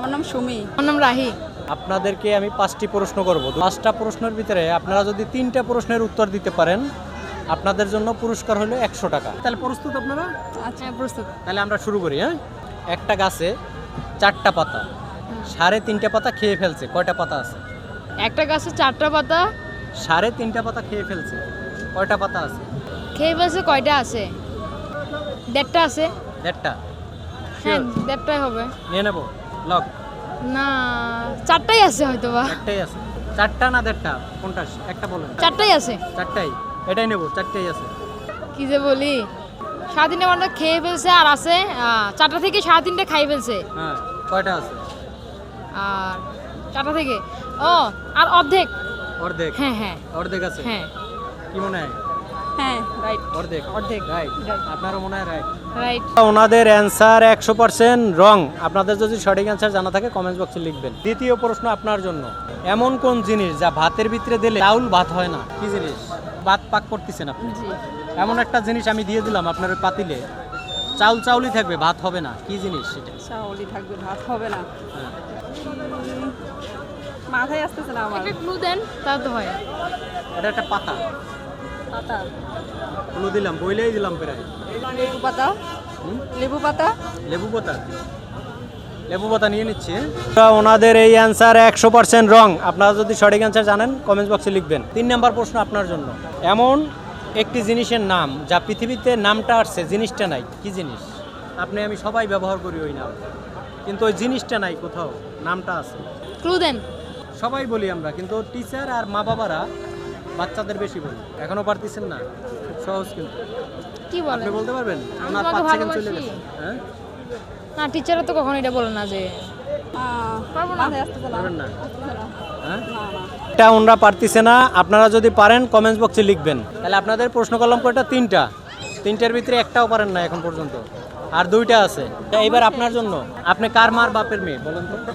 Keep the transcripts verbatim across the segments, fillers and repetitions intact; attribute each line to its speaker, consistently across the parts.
Speaker 1: আমার নাম সুমি।
Speaker 2: আমার নাম রাহি।
Speaker 3: আপনাদেরকে আমি পাঁচটি প্রশ্ন করব। পাঁচটা প্রশ্নের ভিতরে আপনারা যদি তিনটা প্রশ্নের উত্তর দিতে পারেন আপনাদের জন্য পুরস্কার হলো একশো টাকা। তাহলে প্রস্তুত আপনারা?
Speaker 2: আচ্ছা, প্রস্তুত।
Speaker 3: তাহলে আমরা শুরু করি। হ্যাঁ, একটা গাছে চারটা পাতা, সাড়ে তিনটা পাতা খেয়ে ফেলছে, কয়টা পাতা আছে?
Speaker 2: একটা গাছে চারটা পাতা
Speaker 3: সাড়ে তিনটা পাতা খেয়ে ফেলছে, কয়টা পাতা আছে?
Speaker 2: খেয়ে ফেলছে, কয়টা আছে? দেড়টা আছে।
Speaker 3: দেড়টা?
Speaker 2: হ্যাঁ, দেড়টাই হবে।
Speaker 3: নিয়ে নেব লক?
Speaker 2: না, চারটাই আছে হয়তো বা।
Speaker 3: চারটাই আছে। চারটা না দেড়টা, কোনটা? একটা বলেন।
Speaker 2: চারটাই আছে।
Speaker 3: চারটাই? এটাই নেব, চারটাই আছে।
Speaker 2: কি যে বলি, সাড়ে তিনটা পাতা খেয়ে ফেলছে আর আছে আহ, চারটা থেকে সাড়ে তিনটা খাই ফেলছে।
Speaker 3: হ্যাঁ, কয়টা আছে?
Speaker 2: আর চারটা থেকে ও আর অর্ধেক।
Speaker 3: অর্ধেক?
Speaker 2: হ্যাঁ হ্যাঁ
Speaker 3: অর্ধেক আছে।
Speaker 2: হ্যাঁ
Speaker 3: কি মনে হয়?
Speaker 1: হ্যাঁ, রাইট।
Speaker 3: অর্ধেক?
Speaker 1: অর্ধেক।
Speaker 3: রাইট।
Speaker 1: Right.
Speaker 3: আপনারও মনে হয় রাইট।
Speaker 2: রাইট।
Speaker 3: ওনাদের অ্যান্সার একশো পার্সেন্ট রং। আপনাদের যদি সঠিক অ্যান্সার জানা থাকে কমেন্ট বক্সে লিখবেন। দ্বিতীয় প্রশ্ন আপনার জন্য, এমন কোন জিনিস যা ভাতের ভিতরে দিলে চাউল ভাত হয় না? কি জিনিস? ভাত পাক করতেছেন আপনি,
Speaker 1: জি।
Speaker 3: এমন একটা জিনিস আমি দিয়ে দিলাম আপনার ওই পাতিলে, চাউল চাউলই থাকবে, ভাত হবে না। কি জিনিস সেটা?
Speaker 1: চাউলি থাকবে, ভাত হবে না।
Speaker 3: হ্যাঁ।
Speaker 1: উম, মাথায় আসতেছে না আমার।
Speaker 2: একটা ক্লু দেন, তা তো হয়।
Speaker 3: এটা একটা পাতা।
Speaker 1: পাতা।
Speaker 3: ক্লু দিলাম, বইলেই দিলাম প্রায়।
Speaker 1: লেবু পাতা।
Speaker 3: হুম?
Speaker 1: লেবু পাতা।
Speaker 3: লেবু পাতা? লেবু পাতা নিয়ে নিচ্ছি। ওনাদের এই অ্যান্সার একশো পার্সেন্ট রং। আপনারা যদি সঠিক অ্যান্সার জানেন কমেন্ট বক্সে লিখবেন। তিন নম্বর প্রশ্ন আপনার জন্য, এমন একটি জিনিসের নাম যা পৃথিবীতে নামটা আসছে জিনিসটা নাই। কি জিনিস? আপনি আমি সবাই ব্যবহার করি ওই নাম, কিন্তু ওই জিনিসটা নাই কোথাও, নামটা আছে।
Speaker 2: ক্লু দেন।
Speaker 3: সবাই বলি আমরা, কিন্তু টিচার আর মা বাবারা বাচ্চাদের বেশি বলি। এখনো পারতেছেন না? খুব সহজ কিন্তু।
Speaker 2: কি বলেন?
Speaker 3: আপনি বলতে পারবেন?
Speaker 2: আমি
Speaker 3: ওনার
Speaker 2: তোমাকে
Speaker 3: পাঁচ সেকেন্ড চলে
Speaker 2: ভালোবাসি।
Speaker 3: গেছে। হ্যাঁ,
Speaker 2: না, টিচাররা তো কখনো এটা বলে না যে
Speaker 1: আহ,
Speaker 2: পারবো না।
Speaker 1: মাথায় আসতেছে না।
Speaker 3: পারবেন না?
Speaker 1: আসতেছে না।
Speaker 3: হ্যাঁ,
Speaker 1: না, না।
Speaker 3: এটা ওনরা পারতেছে না। আপনারা যদি পারেন কমেন্টস বক্সে লিখবেন। তাহলে আপনাদের প্রশ্ন করলাম কয়টা? তিনটা। তিনটার ভিতরে একটাও পারেন না এখন পর্যন্ত, আর দুইটা আছে। তা এবার আপনার জন্য, আপনি কার মার বাপের মেয়ে বলেন তো?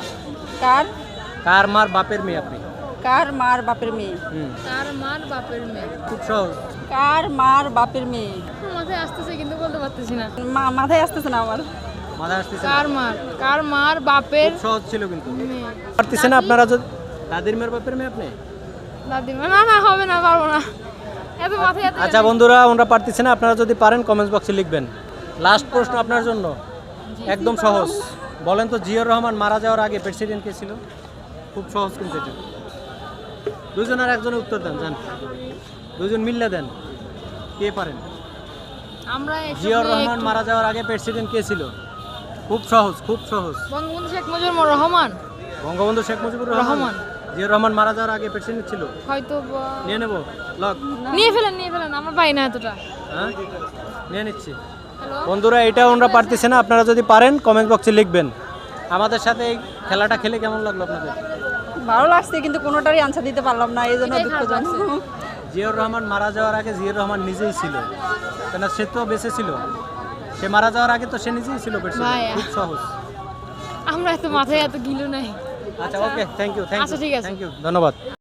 Speaker 1: কার
Speaker 3: কার মার বাপের মেয়ে আপনি?
Speaker 1: কার মার বাপের মেয়ে?
Speaker 3: হুম,
Speaker 2: তার মার বাপের মেয়ে।
Speaker 3: খুব সহজ।
Speaker 1: কার মার বাপের মেয়ে?
Speaker 2: মাথায় আসতেছে কিন্তু বলতে পারতেছি না।
Speaker 1: মা- মাথায় আসতেছে না আমার।
Speaker 3: মাথায় আসতেছে না?
Speaker 2: কার মার কার মার বাপের
Speaker 3: খুব সহজ ছিল কিন্তু।
Speaker 2: মেয়ে।
Speaker 3: পারতেছে না আপনারা? যদি দাদির মেয়ের বাপের মেয়ে আপনি?
Speaker 2: দাদিমা? না না, হবে না, পারবো না। এত মাথায় এত
Speaker 3: আচ্ছা বন্ধুরা, ওনরা পারতেছে না। আপনারা যদি পারেন কমেন্টস বক্সে লিখবেন। লাস্ট প্রশ্ন আপনার জন্য, একদম সহজ। বলেন তো, জিয়াউর রহমান মারা যাওয়ার আগে প্রেসিডেন্ট কে ছিল? খুব সহজ কিন্তু এটা। দুজন আর একজনের উত্তর দেন, জান। দুজন মিললে দেন। কে পারেন?
Speaker 2: আমরা এসব
Speaker 3: জিয়াউর
Speaker 2: নিয়ে
Speaker 3: রহমান
Speaker 2: একটু-
Speaker 3: মারা যাওয়ার আগে প্রেসিডেন্ট কে ছিল? খুব সহজ, খুব সহজ।
Speaker 2: বঙ্গবন্ধু শেখ মুজিবুর রহমান।
Speaker 3: বঙ্গবন্ধু শেখ মুজিবুর রহমান।
Speaker 2: রহমান।
Speaker 3: জিয়াউর রহমান মারা যাওয়ার আগে প্রেসিডেন্ট ছিল।
Speaker 2: হয়তো বা-
Speaker 3: নিয়ে নেব লক?
Speaker 2: নিয়ে ফেলেন, নিয়ে ফেলেন, আমরা পাই না এতটা।
Speaker 3: হ্যাঁ, নিয়ে নিচ্ছি।
Speaker 2: হ্যালো।
Speaker 3: বন্ধুরা, এটা ওনরা পারতেছে না। আপনারা যদি পারেন কমেন্ট বক্সে লিখবেন। আমাদের সাথে এই খেলাটা খেলে কেমন লাগলো আপনাদের?
Speaker 1: ভালো লাগছে, কিন্তু কোনোটারই আনসার দিতে পারলাম না, এই জন্য
Speaker 2: এটাই
Speaker 1: দুঃখজনক।
Speaker 2: খারাপ লাগছে।
Speaker 3: জিয়াউর রহমান মারা যাওয়ার আগে জিয়াউর রহমান নিজেই ছিল, কেন সে তো বেঁচে ছিল। সে মারা যাওয়ার আগে তো সে নিজেই ছিল প্রেসিডেন্ট।
Speaker 2: ভাই,
Speaker 3: খুব সহজ।
Speaker 2: আমরা এত মাথায় এত গিলু নাই।
Speaker 3: আচ্ছা, ওকে, থ্যাংক ইউ, থ্যাংক
Speaker 2: আচ্ছা,
Speaker 3: ইউ,
Speaker 2: ঠিক আছে।
Speaker 3: থ্যাংক ইউ, ধন্যবাদ।